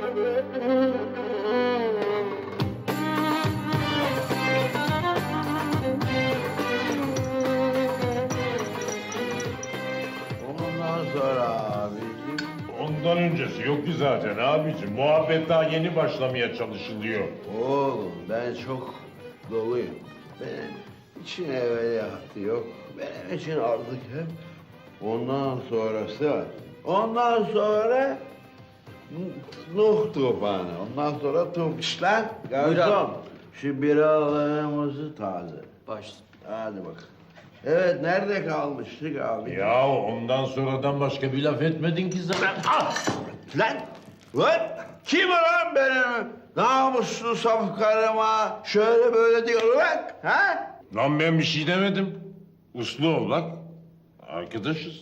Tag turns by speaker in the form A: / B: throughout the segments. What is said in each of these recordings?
A: Ondan sonra abicim.
B: Ondan öncesi yok ki zaten abicim. Muhabbet daha yeni başlamaya çalışılıyor.
A: Oğlum ben çok doluyum. Benim için evveliyatı yok. Benim için artık hep ondan sonrası var. Ondan sonra Nuh tufanı. Ondan sonra tufişler. Garson. Şu biralarımızı taze.
C: Baş.
A: Hadi bak. Evet nerede kalmıştık abi?
B: Ya ondan sonradan başka bir laf etmedin ki zaten.
A: Ah! Lan! Lan! Kim lan benim namuslu saf karıma şöyle böyle diyor lan? Ha?
B: Lan ben bir şey demedim. Uslu ol lan. Arkadaşız.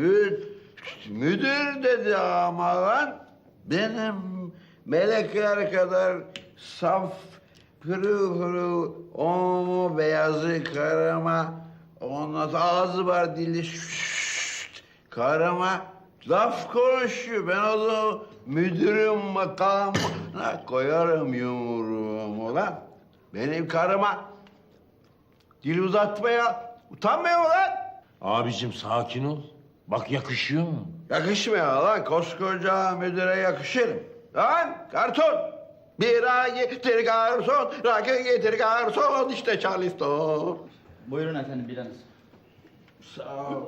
A: Müdür dedi ama lan. Benim melekler kadar saf pırıl pırıl o beyazı karıma ondan sonra ağzı var dili şşşt, karıma laf konuşuyor. Ben o zaman müdürüm makamına koyarım yumruğumu lan. Benim karıma dil uzatmaya utanmıyor mu lan?
B: Abicim sakin ol. Bak yakışıyor mu?
A: Yakışmıyor lan. Koskoca müdüre yakışır. Lan karton. Bira getir garson, rakı getir garson, işte Charleston.
C: Buyurun efendim biranız.
A: Sağ ol.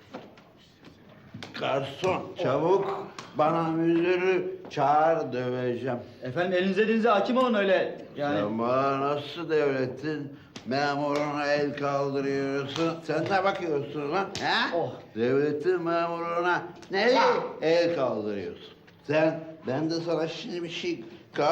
A: Garson, çabuk bana müdürü çağır döveceğim.
C: Efendim elinize dinize hakim olun öyle yani.
A: Sen bana nasıl devletin memuruna el kaldırıyorsun? Sen ne bakıyorsun lan? He?
C: Oh.
A: Devletin memuruna nereye el kaldırıyorsun? Ben de sana şimdi bir şey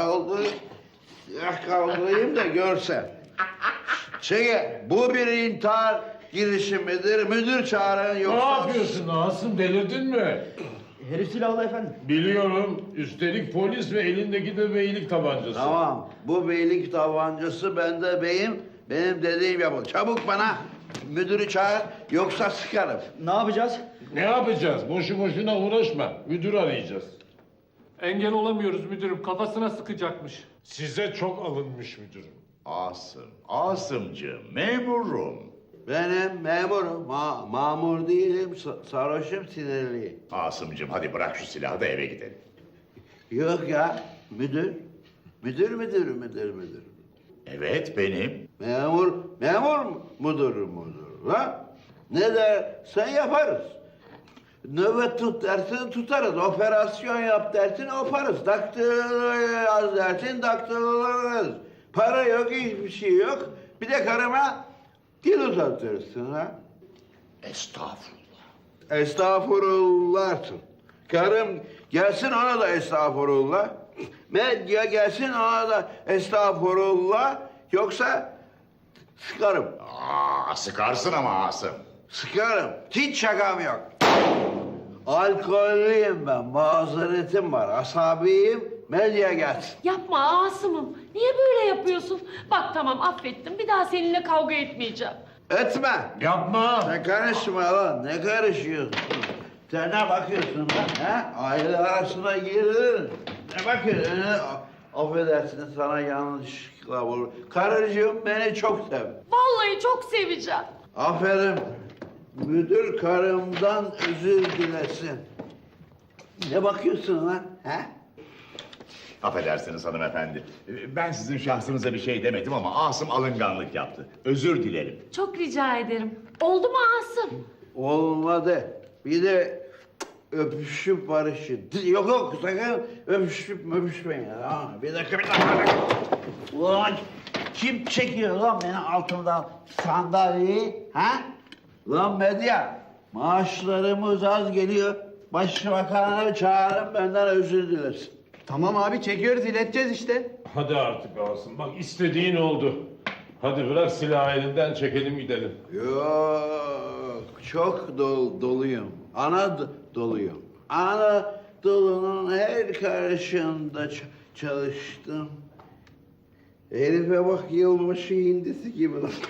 A: kaldırayım da görsen. Çekil, bu bir intihar girişimidir. Müdür çağırın
B: Ne
A: yoksa...
B: yapıyorsun Asım? Delirdin mi?
C: Herif silahlı efendim.
B: Biliyorum. Üstelik polis ve elindeki de beylik tabancası.
A: Tamam, bu beylik tabancası bende beyim. Benim dediğim yapın. Çabuk bana müdürü çağır yoksa sıkarım.
C: Ne yapacağız?
B: Ne yapacağız? Boşu boşuna uğraşma. Müdür arayacağız.
D: Engel olamıyoruz müdürüm. Kafasına sıkacakmış.
B: Size çok alınmış müdürüm.
E: Asımcığım, memurum.
A: Benim memurum, mamur değilim, sarhoşum, sinirliyim.
E: Asımcığım hadi bırak şu silahı da eve gidelim.
A: Yok ya, müdür. Müdür.
E: Evet benim.
A: Memur mudur. Ha? Ne dersen yaparız. Nöbet tut dersin tutarız. Operasyon yap dersin yaparız. Daktilo yaz dersin daktilolarız. Para yok, hiçbir şey yok. Bir de karıma dil uzatırsın ha.
E: Estağfurullah.
A: Estağfurullah. Karım gelsin ona da estağfurullah. Medya gelsin ona da estağfurullah. Yoksa sıkarım.
E: Sıkarsın ama Asım.
A: Sıkarım. Hiç şakam yok. Alkollüyüm ben. Mazeretim var. Asabiyim. Medya gelsin.
F: Yapma Asım'ım. Niye böyle yapıyorsun? Bak tamam affettim. Bir daha seninle kavga etmeyeceğim.
A: Etme.
B: Yapma.
A: Ne karışma lan. Ne karışıyorsun? Sen ne bakıyorsun lan? Ha? Aile arasına girilir. Ne bakıyorsun? Affedersin sana yanlışlıkla vurur. Karıcığım beni çok sev.
F: Vallahi çok seveceğim.
A: Aferin. Müdür karımdan özür dilesin. Ne bakıyorsun lan? Ha?
E: Affedersiniz hanımefendi. Ben sizin şahsınıza bir şey demedim ama Asım alınganlık yaptı. Özür dilerim.
F: Çok rica ederim. Oldu mu Asım?
A: Olmadı. Bir de öpüşüp barışın. Yok sakın öpüşüp öpüşmeyin. Tamam mı? Bir dakika. Ulan kim çekiyor lan beni altımdan sandalyeyi? Ha? Lan medya maaşlarımız az geliyor. Başbakanı çağırın benden özür dilesin.
C: Tamam abi çekiyoruz ileteceğiz işte.
B: Hadi artık Asım. Bak istediğin oldu. Hadi bırak silahı elinden çekelim gidelim.
A: Yok, çok doluyum. Doluyum. Anadolu'nun her karşında çalıştım. Herife bak yılbaşı hindisi gibi lan.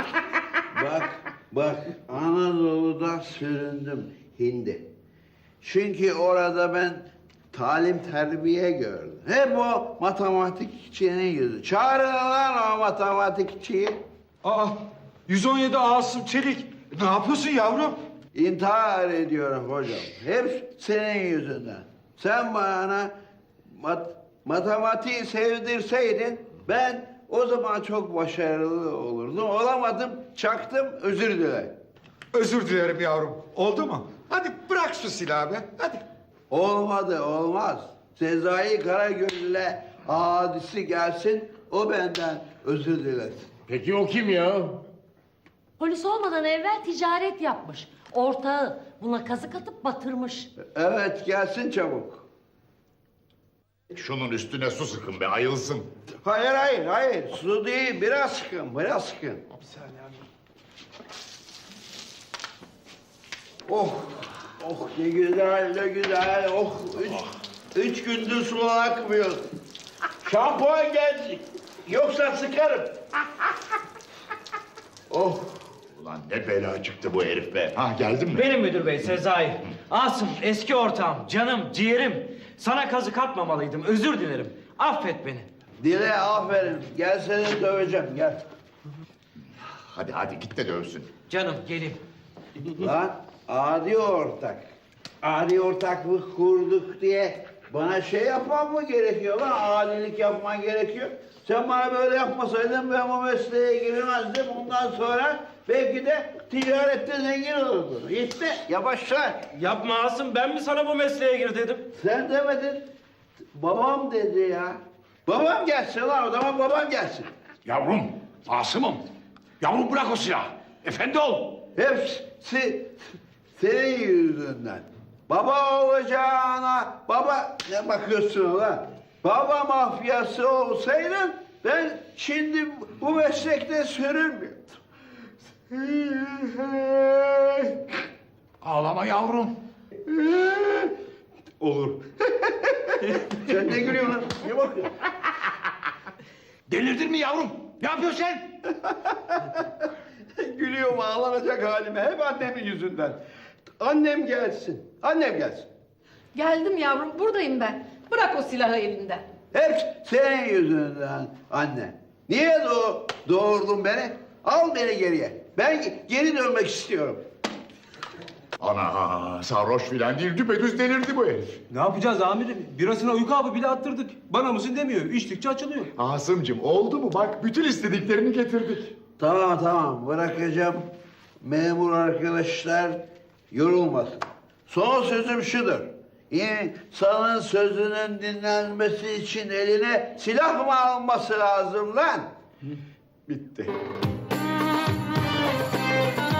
A: bak Anadolu'da süründüm hindi. Çünkü orada ben talim terbiye gördün. Hep o matematikçinin yüzü. Çağırın lan o matematikçiyi.
G: Aa, 117 Asım Çelik. Ne yapıyorsun yavrum?
A: İntihar ediyorum hocam. Hep senin yüzünden. Sen bana matematiği sevdirseydin ben o zaman çok başarılı olurdum. Olamadım, çaktım, özür dile.
G: Özür dilerim yavrum. Oldu mu? Hadi bırak şu silahı be. Hadi.
A: Olmadı, olmaz. Sezai Karagöz'le hadisi gelsin, o benden özür dilesin.
B: Peki o kim ya?
F: Polis olmadan evvel ticaret yapmış. Ortağı buna kazık atıp batırmış.
A: Evet, gelsin çabuk.
E: Şunun üstüne su sıkın be ayılsın.
A: Hayır, hayır, hayır. Su değil, biraz sıkın, biraz sıkın. Oh, oh ne güzel, ne güzel. Oh, üç gündür su akmıyor. Şampuan geldi. Yoksa sıkarım. Oh.
E: Ulan ne bela çıktı bu herif be. Ha geldin mi?
H: Benim müdür bey Sezai. Asım eski ortağım, canım, ciğerim. Sana kazık atmamalıydım, özür dilerim. Affet beni.
A: Dile aferin. Gel seni döveceğim, gel.
E: Hadi hadi git de dövsün.
H: Canım gelin.
A: Lan adi ortak. Adi ortaklık kurduk diye bana şey yapmam mı gerekiyor lan? Adilik yapman gerekiyor. Sen bana böyle yapmasaydın ben bu mesleğe giremezdim. Ondan sonra belki de ticarette zengin olurdun. Gitti, yavaşla.
H: Yapma Asım, ben mi sana bu mesleğe gir dedim?
A: Sen demedin. Babam dedi ya. Babam gelsin lan o zaman babam gelsin.
I: Yavrum, Asım'ım. Yavrum bırak o silahı. Efendi ol.
A: Hepsi senin yüzünden. Baba olacağına baba ne bakıyorsun lan? Baba mafyası olsaydın ben şimdi bu meslekte sürünmüyordum.
I: Ağlama yavrum.
A: Olur. Sen ne gülüyorsun lan? Ne bakıyorsun?
I: Delirdin mi yavrum? Ne yapıyorsun sen?
A: Gülüyorum ağlanacak halime. Hep annemin yüzünden. Annem gelsin. Annem gelsin.
J: Geldim yavrum, buradayım ben. Bırak o silahı elinden.
A: Hep senin yüzünden anne. Niye doğurdun beni? Al beni geriye. Ben geri dönmek istiyorum.
E: Ana sarhoş filan değil düpedüz delirdi bu herif.
C: Ne yapacağız amirim? Birasına uyku hapı bile attırdık. Bana mısın demiyor. İçtikçe açılıyor.
E: Asım'cığım oldu mu bak bütün istediklerini getirdik.
A: Tamam bırakacağım. Memur arkadaşlar yorulmasın. Son sözüm şudur. İnsanın sözünün dinlenmesi için eline silah mı alması lazım lan? Bitti.